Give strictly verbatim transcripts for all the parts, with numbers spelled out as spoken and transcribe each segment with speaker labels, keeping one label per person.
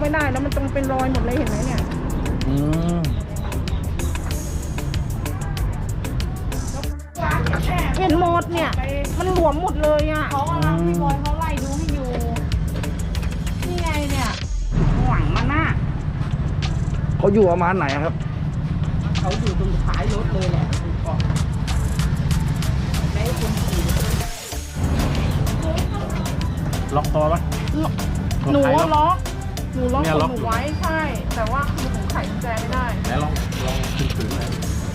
Speaker 1: ไม่ได้แล้วมันตรงเป็นรอยหมดเลยเห็นไหมเนี่ย
Speaker 2: อืม
Speaker 1: เห็นหมดเนี่ยมันหลวมหมดเลยอ่ะเขากำลังพี่บอยเขาไล่ดูให้อยู่นี่ไงเนี่ยหวังมันน่ะ
Speaker 2: เขาอยู่ประมาณไหนครับ
Speaker 1: เขาอยู่ตรงท้ายรถเลยแหละไม่คุณขี่
Speaker 2: ล็อกคอปะ
Speaker 1: หนูล็อกหนูล็อกหนูไว้ใช่แต่ว่าคือหนูไขกุญแจไม่ได้
Speaker 2: ไหนลองลองขึ้นถือหน่อย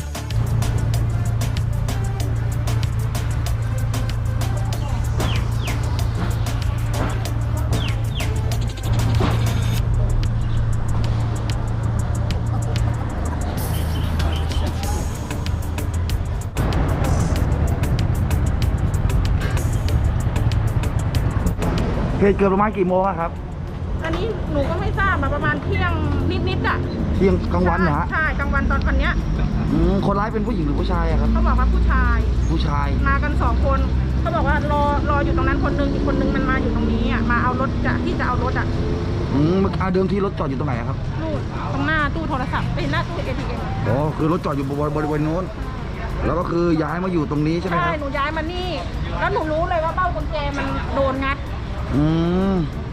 Speaker 2: เหตุเกิดประมาณกี่โมงครับ
Speaker 1: อันนี้หนูก็ไม่ทราบมาประมาณเที่ยงนิดๆอ่ะ
Speaker 2: เที่ยงกลางวันเหรอ
Speaker 1: ใช่กลางวันตอนวันเนี้ย
Speaker 2: คนร้ายเป็นผู้หญิงหรือผู้ชายครับ
Speaker 1: เขาบอกว่าผู้ชาย
Speaker 2: ผู้ชาย
Speaker 1: มากันสองคนเขาบอกว่ารอรออยู่ตรงนั้นคนนึงอีกคนนึงมันมาอยู่ตรงนี้อ่ะมาเอารถจะที่จะเอารถอ่ะ
Speaker 2: อืมเดิมที่รถจอดอยู่ตรงไหนครับ
Speaker 1: นู่นตรงหน้าตู้โทรศัพท์เป็นหน้าตู้ เอ ที เอ็ม
Speaker 2: อ๋อคือรถจอดอยู่บริเวณโน้นแล้วก็คือย้ายมาอยู่ตรงนี้ใช่ไหมครับ
Speaker 1: ใช่หนูย้ายมานี่แล้วหนูรู้เลยว่าเบ้ากุญแจมันโดนงัด
Speaker 2: อืม